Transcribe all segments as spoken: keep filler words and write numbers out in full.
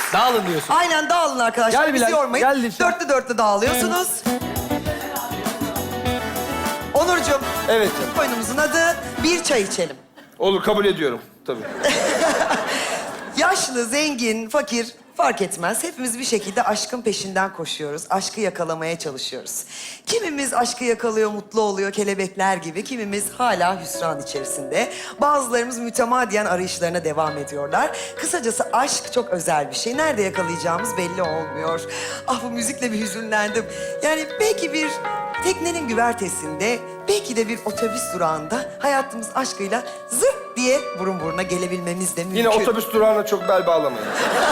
Dağılın diyorsun. Aynen dağılın arkadaşlar. Gel Bizi Bilal, yormayın. gel lütfen. Dörtlü dörtlü dağılıyorsunuz. Onurcuğum, Evet canım. oyunumuzun adı Bir Çay İçelim. Olur, kabul ediyorum. Tabii. Yaşlı, zengin, fakir fark etmez. Hepimiz bir şekilde aşkın peşinden koşuyoruz. Aşkı yakalamaya çalışıyoruz. Kimimiz aşkı yakalıyor, mutlu oluyor kelebekler gibi. Kimimiz hala hüsran içerisinde. Bazılarımız mütemadiyen arayışlarına devam ediyorlar. Kısacası aşk çok özel bir şey. Nerede yakalayacağımız belli olmuyor. Ah, bu müzikle bir hüzünlendim. Yani belki bir teknenin güvertesinde, belki de bir otobüs durağında hayatımız aşkıyla zırt diye burun buruna gelebilmemiz de mümkün. Yine otobüs durağına çok bel bağlamayın.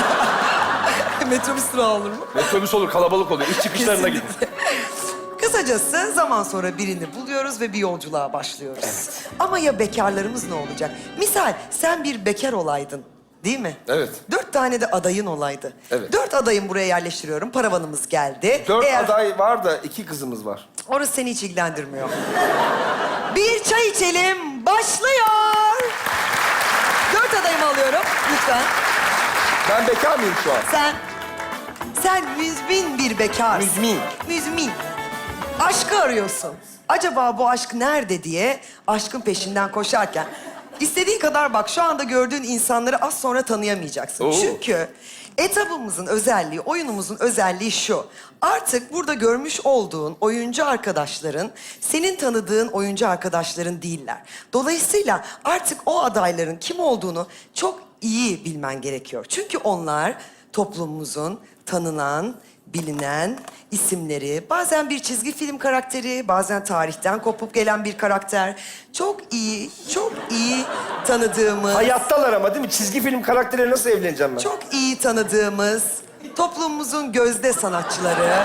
Metrobüs durağı olur mu? Otobüs olur, kalabalık oluyor. İş çıkışlarına gidin. Kesinlikle. Kısacası zaman sonra birini buluyoruz ve bir yolculuğa başlıyoruz. Evet. Ama ya bekarlarımız ne olacak? Misal sen bir bekar olaydın, değil mi? Evet. Dört tane de adayın olaydı. Evet. Dört adayın buraya yerleştiriyorum. Paravanımız geldi. Dört Eğer- aday var da iki kızımız var. Orası seni hiç ilgilendirmiyor. Bir çay içelim, başlıyor. Dört adayımı alıyorum, lütfen. Ben bekar mıyım şu an? Sen, sen müzmin bir bekarsın. Müzmin. Müzmin. Aşkı arıyorsun. Acaba bu aşk nerede diye aşkın peşinden koşarken... istediğin kadar bak, şu anda gördüğün insanları az sonra tanıyamayacaksın. Oo. Çünkü etabımızın özelliği, oyunumuzun özelliği şu. Artık burada görmüş olduğun oyuncu arkadaşların senin tanıdığın oyuncu arkadaşların değiller. Dolayısıyla artık o adayların kim olduğunu çok iyi bilmen gerekiyor. Çünkü onlar toplumumuzun tanınan, bilinen isimleri, bazen bir çizgi film karakteri, bazen tarihten kopup gelen bir karakter. Çok iyi, çok iyi tanıdığımız, Hayattalar ama değil mi? Çizgi film karakteriyle nasıl evleneceğim ben? çok iyi tanıdığımız toplumumuzun gözde sanatçıları.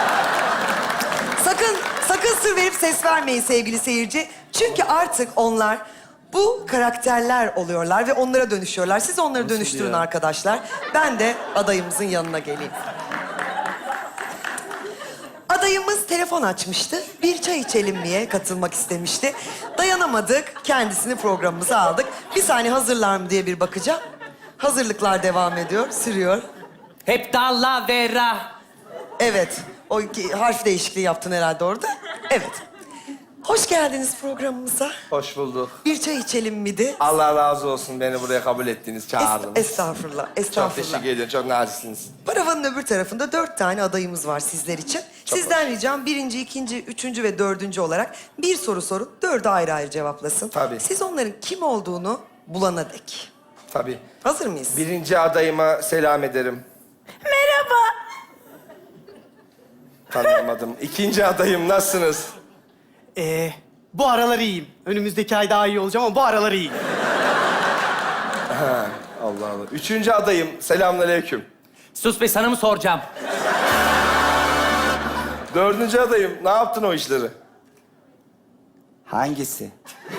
Sakın, sakın sır verip ses vermeyin sevgili seyirci. Çünkü artık onlar bu karakterler oluyorlar ve onlara dönüşüyorlar. Siz onları Nasıl dönüştürün ya? arkadaşlar. Ben de adayımızın yanına geleyim. Adayımız telefon açmıştı. Bir çay içelim diye katılmak istemişti. Dayanamadık. Kendisini programımıza aldık. Bir saniye hazırlar mı diye bir bakacağım. Hazırlıklar devam ediyor, sürüyor. Hep dallavera. Evet. O iki harf değişikliği yaptın herhalde orada. Evet. Hoş geldiniz programımıza. Hoş bulduk. Bir çay içelim miydi? Allah razı olsun beni buraya kabul ettiğiniz, Es- çağırdınız. estağfurullah, Çok estağfurullah. teşekkür ediyorum, çok naziksiniz. Paravanın öbür tarafında dört tane adayımız var sizler için. Sizden ricam birinci, ikinci, üçüncü ve dördüncü olarak bir soru sorup dördü ayrı ayrı cevaplasın. Tabii. Siz onların kim olduğunu bulana dek. Tabii. Hazır mıyız? Birinci adayıma selam ederim. Merhaba. Tanıyamadım. İkinci adayım, nasılsınız? Ee, bu aralar iyiyim. Önümüzdeki ay daha iyi olacağım ama bu aralar iyiyim. Ha, Allah Allah. Üçüncü adayım, selamünaleyküm. Sus be, sana mı soracağım? Dördüncü adayım, ne yaptın o işleri? Hangisi?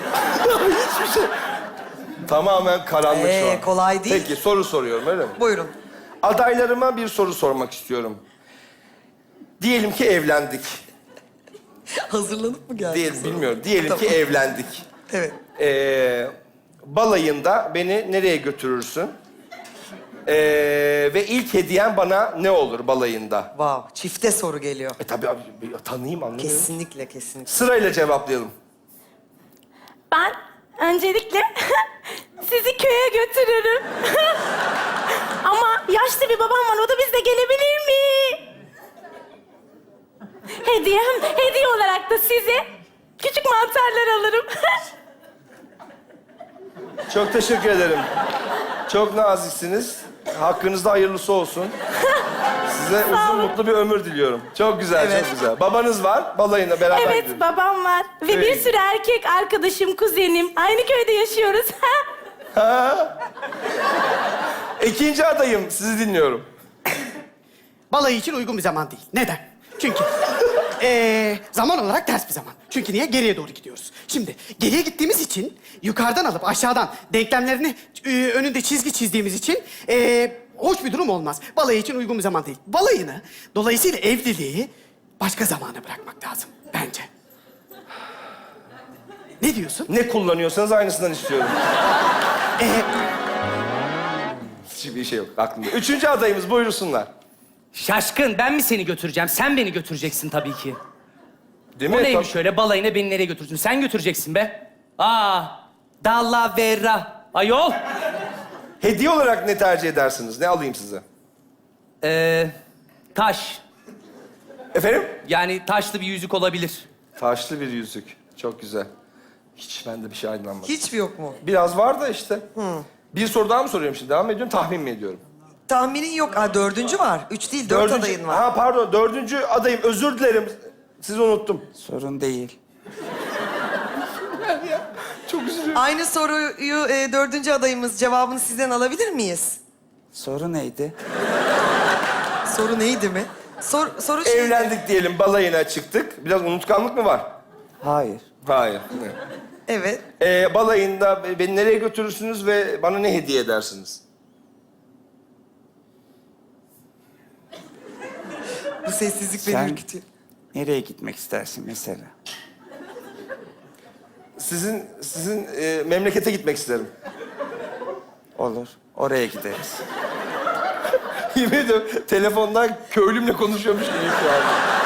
Tamamen karanlık şu Ee, an. kolay değil. Peki, soru soruyorum, öyle mi? Buyurun. Adaylarıma bir soru sormak istiyorum. Diyelim ki evlendik. Hazırlanıp mı geldiniz? Değil, bilmiyorum. Diyelim Tamam. ki evlendik. Evet. Ee, balayında beni nereye götürürsün? Ee, ve ilk hediyen bana ne olur balayında? Wow, çifte soru geliyor. E tabii abi, bir tanıyayım, anlamıyorum. Kesinlikle, kesinlikle. Sırayla cevaplayalım. Ben öncelikle sizi köye götürürüm. Ama yaşlı bir babam var, o da bizle gelebilir mi? Hediyem, hediye olarak da size küçük mantarlar alırım. Çok teşekkür ederim. Çok naziksiniz. Hakkınızda hayırlısı olsun. Size uzun mutlu bir ömür diliyorum. Çok güzel, Evet. çok güzel. Babanız var, balayına beraber Evet, gidelim. babam var. Ve bir Evet. sürü erkek arkadaşım, kuzenim. Aynı köyde yaşıyoruz. Ha? İkinci adayım, sizi dinliyorum. Balayı için uygun bir zaman değil. Neden? Çünkü ee, zaman olarak ters bir zaman. Çünkü niye? Geriye doğru gidiyoruz. Şimdi geriye gittiğimiz için yukarıdan alıp aşağıdan denklemlerini e, önünde çizgi çizdiğimiz için ee, hoş bir durum olmaz. Balayı için uygun bir zaman değil. Balayını, dolayısıyla evliliği başka zamana bırakmak lazım bence. Ne diyorsun? Ne kullanıyorsanız aynısından istiyorum. Ee, Hiçbir şey yok aklımda. Üçüncü adayımız buyursunlar. Şaşkın, ben mi seni götüreceğim? Sen beni götüreceksin tabii ki. Değil Bu mi? neymiş Tab- öyle balayına beni nereye götürsün? Sen götüreceksin be. Aa, Dallavera. Ayol. Hediye olarak ne tercih edersiniz? Ne alayım size? Ee, taş. Efendim? Yani taşlı bir yüzük olabilir. Taşlı bir yüzük. Çok güzel. Hiç bende bir şey aydınlanmadı. Hiç mi yok mu? Biraz var da işte. Bir soru daha mı soruyorum şimdi? Devam ediyorum, tahmin mi ediyorum? Tahminin yok. Aa, dördüncü var. Üç değil, dört adayın var. Ha pardon, dördüncü adayım. Özür dilerim. Sizi unuttum. Sorun değil. Çok üzülüyorum. Aynı soruyu e, dördüncü adayımız cevabını sizden alabilir miyiz? Soru neydi? Soru neydi mi? Sor, soru şey... Evlendik diyelim, balayına çıktık. Biraz unutkanlık mı var? Hayır. Hayır. Evet. Ee, balayında beni nereye götürürsünüz ve bana ne hediye edersiniz? Bu sessizlik beni Sen ürkütüyor. nereye gitmek istersin mesela? Sizin sizin e, memlekete gitmek isterim. Olur. Oraya gideriz. Yemin ediyorum telefondan köylümle konuşuyormuş gibi şu an.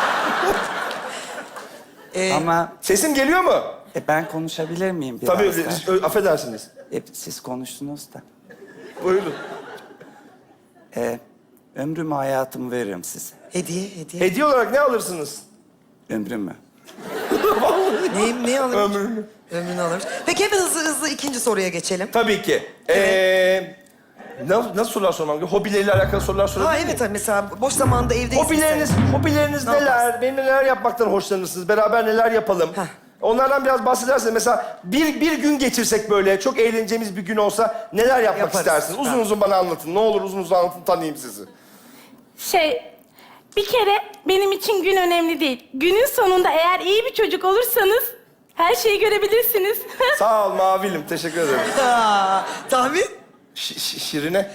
Ee, Ama Sesim geliyor mu? e, ben konuşabilir miyim biraz Tabii, da? siz- ö- affedersiniz. E, siz konuştunuz da. Buyurun. E, ömrümü, hayatımı veririm size. Hediye, hediye. Hediye olarak ne alırsınız? Ömrümü. Neyim, ne alırmış? Ömrünü. Ömrünü alırmış. Peki hemen hızlı hızlı ikinci soruya geçelim. Tabii ki. Ee, nasıl, nasıl sorular sormam gerekiyor? Hobileriyle alakalı sorular sorabilir Ha miyim? evet, mesela boş zamanda evdeyiz. Hobileriniz, hobileriniz Ne neler? yaparsın? Benim neler yapmaktan hoşlanırsınız? Beraber neler yapalım? Heh. Onlardan biraz bahsederseniz mesela bir, bir gün geçirsek böyle çok eğleneceğimiz bir gün olsa neler yapmak Yaparız. istersiniz? Uzun Tamam. uzun bana anlatın. Ne olur uzun uzun anlatın, tanıyayım sizi. Şey, bir kere benim için gün önemli değil. Günün sonunda eğer iyi bir çocuk olursanız her şeyi görebilirsiniz. Sağ ol Mavilim, teşekkür ederim. Aa, tahmin? Ş- ş- şirine.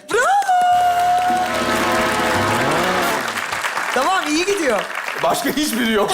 Tamam, iyi gidiyor. Başka hiçbiri yok.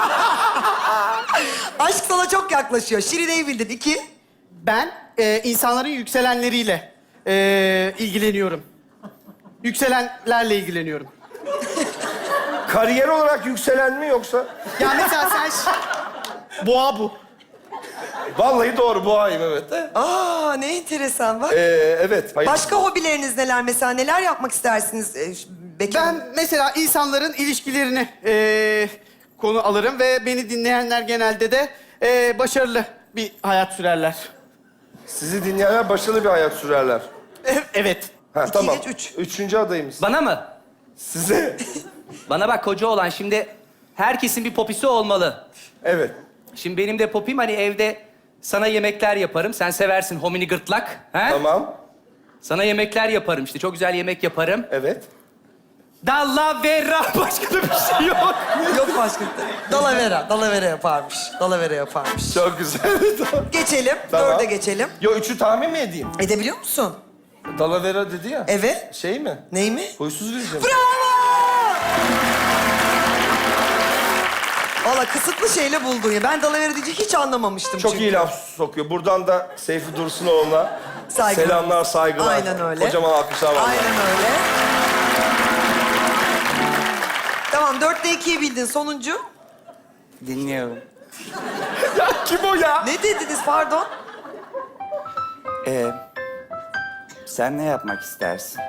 Aşk sana çok yaklaşıyor. Şirine'yi bildin. İki. Ben e, insanların yükselenleriyle e, ilgileniyorum. Yükselenlerle ilgileniyorum. Kariyer olarak yükselen mi yoksa? Ya mesela sen... ş- Boğa bu. Vallahi doğru, boğayım evet. Aa, ne enteresan bak. Ee, evet. Hayır. Başka hobileriniz neler mesela? Neler yapmak istersiniz e, ş- Bekir Hanım? Ben mesela insanların ilişkilerini e, konu alırım ve beni dinleyenler genelde de e, başarılı bir hayat sürerler. Sizi dinleyenler başarılı bir hayat sürerler. E- evet. Ha, İki tamam. geç üç. Üçüncü adayımız. Bana mı? Size. Bana bak koca olan şimdi herkesin bir popisi olmalı. Evet. Şimdi benim de popim hani evde sana yemekler yaparım. Sen seversin homini gırtlak. He? Tamam. Sana yemekler yaparım işte. Çok güzel yemek yaparım. Evet. Dallavera. Başka da bir şey yok. Yok başka. Dalavera. Dalavera yaparmış. Dalavera yaparmış. Çok güzel. Geçelim. Tamam. Dörde geçelim. Yo, üçü tahmin mi edeyim? Edebiliyor musun? Dalavera dedi ya. Evet. Şey mi? Ney mi? Huysuz vereceğim. Bravo! Valla kısıtlı şeyle buldun ya. Ben dalavera deyince hiç anlamamıştım Çok çünkü. iyi laf sokuyor. Buradan da Seyfi Dursunoğlu'na Saygılar. selamlar, saygılar. Aynen öyle. Kocaman alkışlar var. Aynen öyle. Tamam, dörtte ikiyi bildin. Sonuncu. Dinliyorum. Kim o ya? Ne dediniz pardon? E, sen ne yapmak istersin?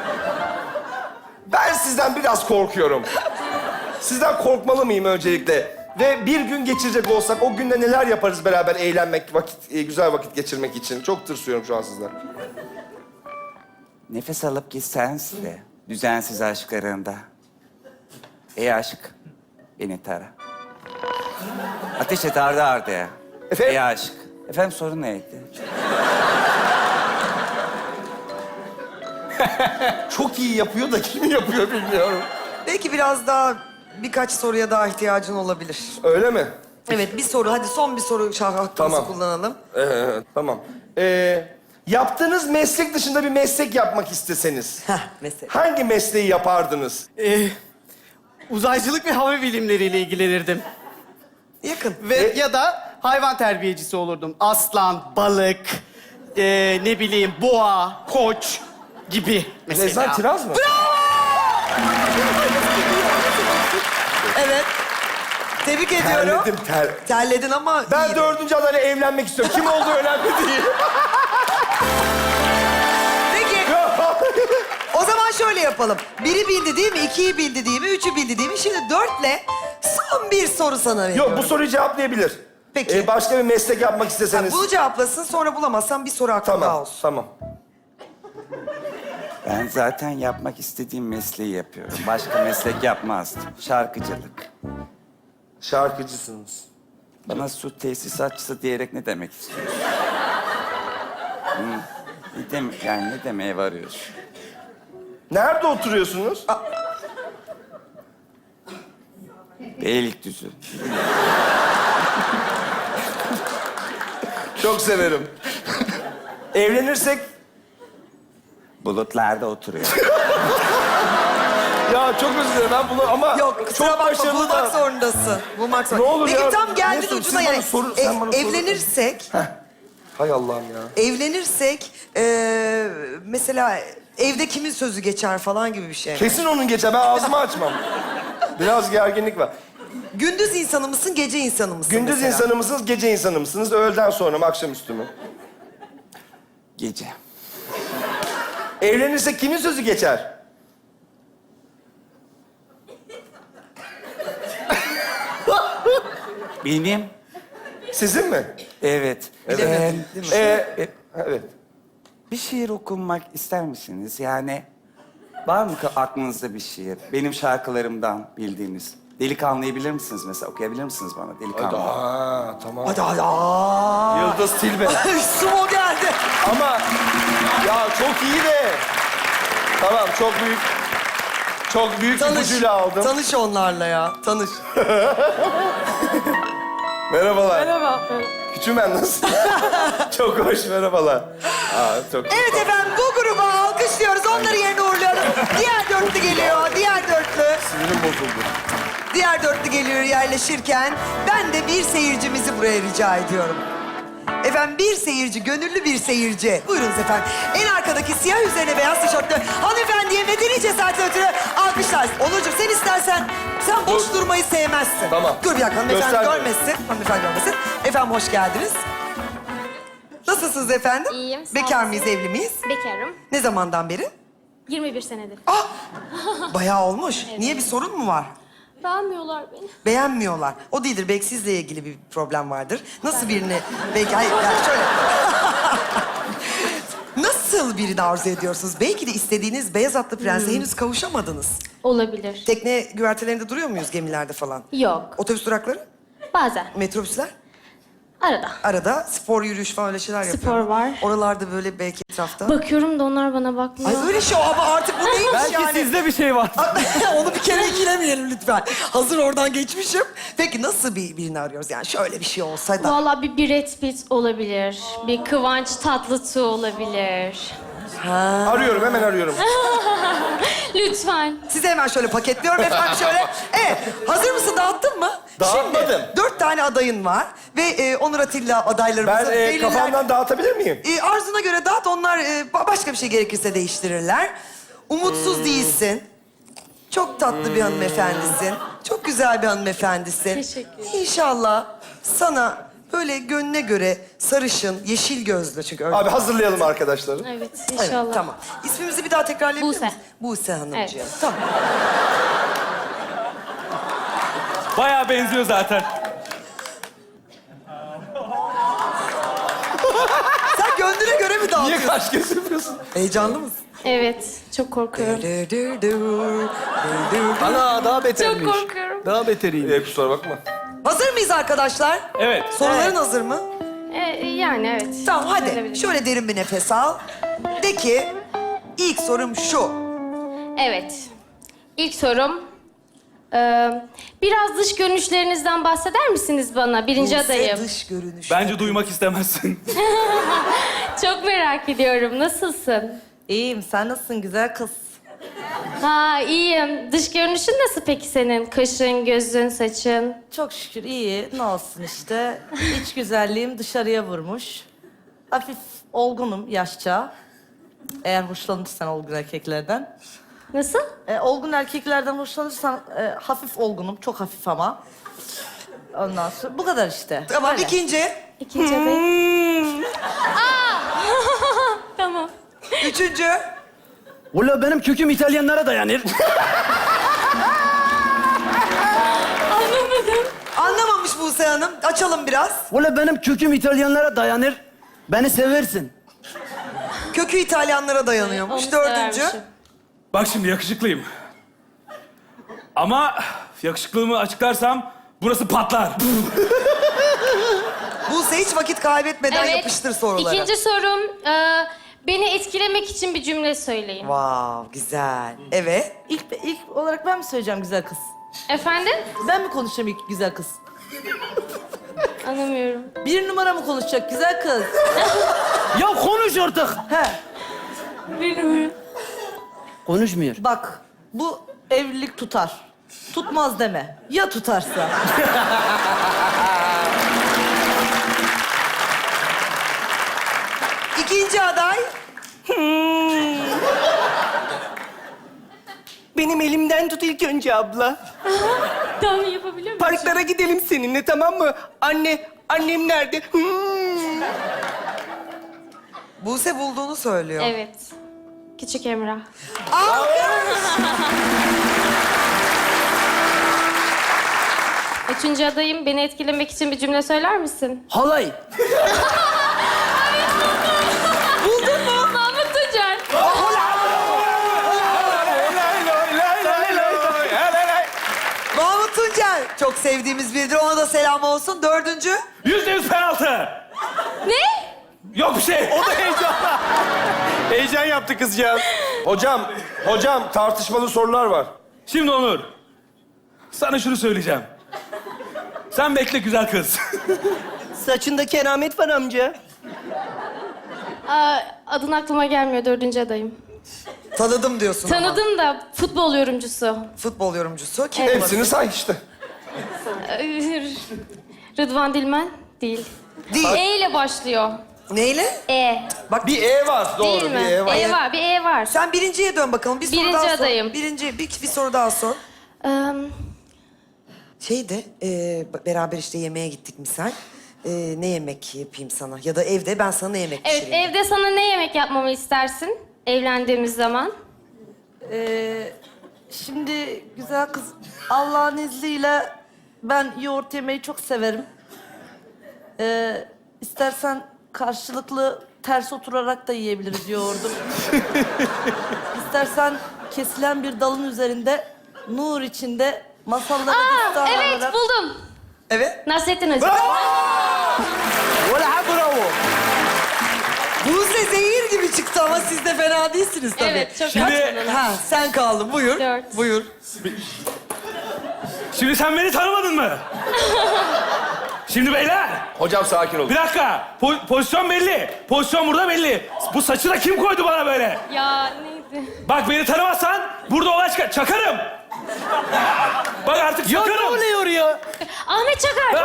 Ben sizden biraz korkuyorum. Sizden korkmalı mıyım öncelikle? Ve bir gün geçirecek olsak o günde neler yaparız beraber eğlenmek, vakit, e, güzel vakit geçirmek için? Çok tırsıyorum şu an sizden. Nefes alıp gitsen de düzensiz aşklarında. Ey aşk, beni tara. Ateş et ardı ardaya. Efendim? Ey aşk. Efendim sorun neydi? Çok iyi yapıyor da kim yapıyor bilmiyorum. Belki biraz daha, birkaç soruya daha ihtiyacın olabilir. Öyle mi? Evet, bir soru. Hadi son bir soru şah hakkımızı Tamam. kullanalım. Ee, tamam. Ee, yaptığınız meslek dışında bir meslek yapmak isteseniz... Heh, mesela. hangi mesleği yapardınız? E, uzaycılık ve hava bilimleriyle ilgilenirdim. Yakın. Ve E- ya da hayvan terbiyecisi olurdum. Aslan, balık, e, ne bileyim boğa, koç. gibi mesela. Rezan Kiraz mı? Evet. Tebrik ediyorum. Terledim, ter... Terledin ama Ben iyi. dördüncü adayla evlenmek istiyorum. Kim olduğu önemli değil. Peki. O zaman şöyle yapalım. Biri bildi değil mi? İkiyi bildi değil mi? Üçü bildi değil mi? Şimdi dörtle son bir soru sana veriyorum. Yok, bu soruyu cevaplayabilir. Peki. Ee, başka bir meslek yapmak isteseniz. Bunu cevaplasın, sonra bulamazsan bir soru aklında Tamam, olsun. tamam. Ben zaten yapmak istediğim mesleği yapıyorum. Başka meslek yapmazdım. Şarkıcılık. Şarkıcısınız. Bana su tesisatçısı diyerek ne demek istiyorsun? Hı. Ne dem yani ne demeye varıyorsun? Nerede oturuyorsunuz? Beylikdüzü. Çok severim. Evlenirsek... Bulutlarda oturuyor. Ya çok özür dilerim ben bunu ama... Yok, kusura çok bakma, başarılı bulmak da... zorundasın. Bulmak Ne zorundasın. olur Peki ya, tam geldin Mesut, ucuna siz bana yani. soru- E, sen bana soru- evlenirsek, Hay Allah'ım ya. evlenirsek e, mesela evde kimin sözü geçer falan gibi bir şey. Kesin onun geçer. Ben ağzımı açmam. Biraz gerginlik var. Gündüz insanı mısın, gece insanı mısın Gündüz mesela? insanı mısınız, gece insanı mısınız? Öğleden sonra mı, akşamüstü mü? Gece. Evlenirsek kimin sözü geçer? Benim. Sizin mi? Evet. Bilemedim, Ben- değil mi? Ee, e, evet. Bir şiir okunmak ister misiniz? Yani var mı ka- aklınızda bir şiir? Benim şarkılarımdan bildiğiniz. Delikanlıyı bilir misiniz mesela? Okuyabilir misiniz bana Delikanlı? Aa, tamam. Hadi hadi. Aa. Yıldız Tilbe. Sumo geldi. Ama ya çok iyi de. Tamam, çok büyük. Çok büyük Tanış. ipucuyla aldım. Tanış onlarla ya. Tanış. Merhabalar. Merhaba. Küçümen nasıl? Çok hoş, merhabalar. Aa, çok Evet efendim, bu grubu alkışlıyoruz. Onları yerine uğurluyoruz. Diğer dörtlü geliyor. Diğer dörtlü. sinirim bozuldu. Diğer dörtlü geliyor yerleşirken ben de bir seyircimizi buraya rica ediyorum. Efendim bir seyirci, gönüllü bir seyirci. Buyurunuz efendim. En arkadaki siyah üzerine beyaz tişörtlü hanımefendiye medeni cesaretle ötürü alkışlar. Onurcuğum sen istersen, sen boş Dur. durmayı sevmezsin. Tamam. Dur bir dakika, hanımefendi Göstermiyorum. görmesin. Hanımefendi görmesin. Efendim hoş geldiniz. Nasılsınız efendim? İyiyim, sağ Bekar olun. mıyız, evli miyiz? Bekarım. Ne zamandan beri? yirmi bir senedir. Ah! Bayağı olmuş. Niye, bir sorun mu var? Beğenmiyorlar beni. Beğenmiyorlar. O değildir. Belki sizle ilgili bir problem vardır. Nasıl birini... Belki... Hayır, yani şöyle... Nasıl birini arzu ediyorsunuz? Belki de istediğiniz beyaz atlı prense henüz kavuşamadınız. Olabilir. Tekne güvertelerinde duruyor muyuz, gemilerde falan? Yok. Otobüs durakları, Bazen. metrobüsler? Arada. Arada spor, yürüyüş falan öyle şeyler Spor yapıyorum. var. Oralarda böyle belki etrafta. Bakıyorum da onlar bana bakmıyor. Ay öyle şey ama artık bu neymiş Belki yani? sizde bir şey var. Onu bir kere ikilemeyelim lütfen. Hazır oradan geçmişim. Peki nasıl bir birini arıyoruz yani? Şöyle bir şey olsa da. Vallahi bir Brad Pitt olabilir. Bir Kıvanç Tatlıtuğ olabilir. Arıyorum, hemen arıyorum. Lütfen. Size hemen şöyle paketliyorum efendim şöyle. Evet, hazır mısın? Dağıttın mı? Dağıtmadım. Şimdi dört tane adayın var ve e, Onur Atilla adaylarımızı Ben e, belirler. kafamdan dağıtabilir miyim? E, arzuna göre dağıt, onlar e, ba- başka bir şey gerekirse değiştirirler. Umutsuz Hmm. değilsin. Çok tatlı bir hanımefendisin. Çok güzel bir hanımefendisin. Teşekkür ederim. İnşallah sana böyle gönlüne göre sarışın, yeşil gözlü çünkü öyle. Abi hazırlayalım arkadaşları. Evet Evet, inşallah. tamam. İsmimizi bir daha tekrarlayabilir Buse. misin? Buse Hanımcığım. Evet. Tamam. Bayağı benziyor zaten. Sen gönlüne göre mi Niye dağıtıyorsun? kaş göz yapıyorsun? Heyecanlı mısın? Evet. Çok korkuyorum. Ana daha Çok betermiş. korkuyorum. Daha beteriyim. Ee, kusura bakma. Hazır mıyız arkadaşlar? Evet. Soruların hazır mı? Ee, yani evet. Tamam hadi. Verebilirim. Şöyle derin bir nefes al. De ki ilk sorum şu. Evet. İlk sorum. Ee, biraz dış görünüşlerinizden bahseder misiniz bana? Birinci Buse adayım. dış görünüş. Bence duymak istemezsin. Çok merak ediyorum. Nasılsın? İyiyim. Sen nasılsın güzel kız? Ha iyiyim. Dış görünüşün nasıl peki senin? Kaşın, gözün, saçın? Çok şükür iyi. Ne olsun işte. İç güzelliğim dışarıya vurmuş. Hafif olgunum yaşça. Eğer hoşlanırsan olgun erkeklerden. Nasıl? E, olgun erkeklerden hoşlanırsan e, hafif olgunum, çok hafif ama. Ondan sonra bu kadar işte. Tamam, Böyle. ikinci. İkinci adayım. Tamam. Üçüncü. Valla benim köküm İtalyanlara dayanır. Anlamadım. Anlamamış Buse Hanım. Açalım biraz. Valla benim köküm İtalyanlara dayanır. Beni seversin. Kökü İtalyanlara dayanıyormuş. Onu Dördüncü. severmişim. Bak şimdi yakışıklıyım. Ama yakışıklılığımı açıklarsam burası patlar. Buse hiç vakit kaybetmeden yapıştır soruları. İkinci sorum, e, beni etkilemek için bir cümle söyleyin. Wow, güzel. Evet. İlk, ilk olarak ben mi söyleyeceğim güzel kız? Efendim? Ben mi konuşacağım ilk güzel kız? Anlamıyorum. Bir numara mı konuşacak güzel kız? Ya konuş artık. He, Bilmiyorum. Konuşmuyor. bak bu evlilik tutar. Tutmaz deme. Ya tutarsa? İkinci aday. Benim elimden tut ilk önce abla. Tamam, yapabiliyor muyum? Parklara gidelim seninle, tamam mı? Anne, annem nerede? Hmm. Buse bulduğunu söylüyor. Evet. Küçük Emrah. Üçüncü adayım, beni etkilemek için bir cümle söyler misin? Halay. Buldun mu? Mahmut Tuncer. Mahmut Tuncer. Çok sevdiğimiz biridir. Ona da selam olsun. Dördüncü. Yüzde yüz penaltı. Ne? Yok bir şey. O da heyecanla. Heyecan yaptı kızcağız. Hocam, hocam tartışmalı sorular var. Şimdi Onur, sana şunu söyleyeceğim. Sen bekle güzel kız. Saçında keramet var amca. Aa, adın aklıma gelmiyor, dördüncü adayım. Tanıdım diyorsun ama. Tanıdım da futbol yorumcusu. Futbol yorumcusu. Kim Evet. olabilir? Hepsini say işte. Rıdvan Dilmen değil. Değil. E ile başlıyor. Neyle? E. Bak Bir E var, doğru. Değil Bir mi? E var. E var, bir E var. sen birinciye dön bakalım. Bir soru Birinci daha sor. adayım. Birinci, bir, bir soru daha sor. Ee, Şeyde, e, beraber işte yemeğe gittik misal. E, ne yemek yapayım sana? Ya da evde ben sana ne yemek evet, pişireyim? evde sana ne yemek yapmamı istersin evlendiğimiz zaman? Ee, şimdi güzel kız Allah'ın izniyle ben yoğurt yemeyi çok severim. Ee, istersen karşılıklı ters oturarak da yiyebiliriz yoğurdu. İstersen kesilen bir dalın üzerinde nur içinde masallara Aa, destan evet olarak... buldum. Evet. Nasrettin Hoca. Valla bravo. Buse zehir gibi çıktı ama siz de fena değilsiniz tabii. Evet, çok Şimdi- kaçmadın. Ha, sen kaldın. Buyur. Dört. Buyur. Şimdi sen beni tanımadın mı? Şimdi beyler, Hocam sakin olun. bir dakika. Po- pozisyon belli. Pozisyon burada belli. Bu saçı da kim koydu bana böyle? Ya neydi? Bak beni tanımazsan burada olay çıkar. Çakarım. Bak artık Ya ne çakarım. oluyor ya? Ahmet Çakar.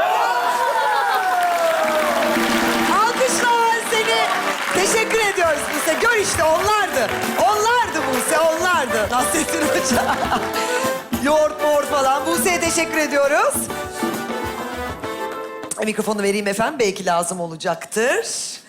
Alkışlar seni. Teşekkür ediyoruz Buse. Gör işte onlardı. Onlardı Buse, onlardı. Nasrettin Hoca. Yoğurt moğurt falan. Buse'ye teşekkür ediyoruz. Mikrofonu vereyim efendim. Belki lazım olacaktır.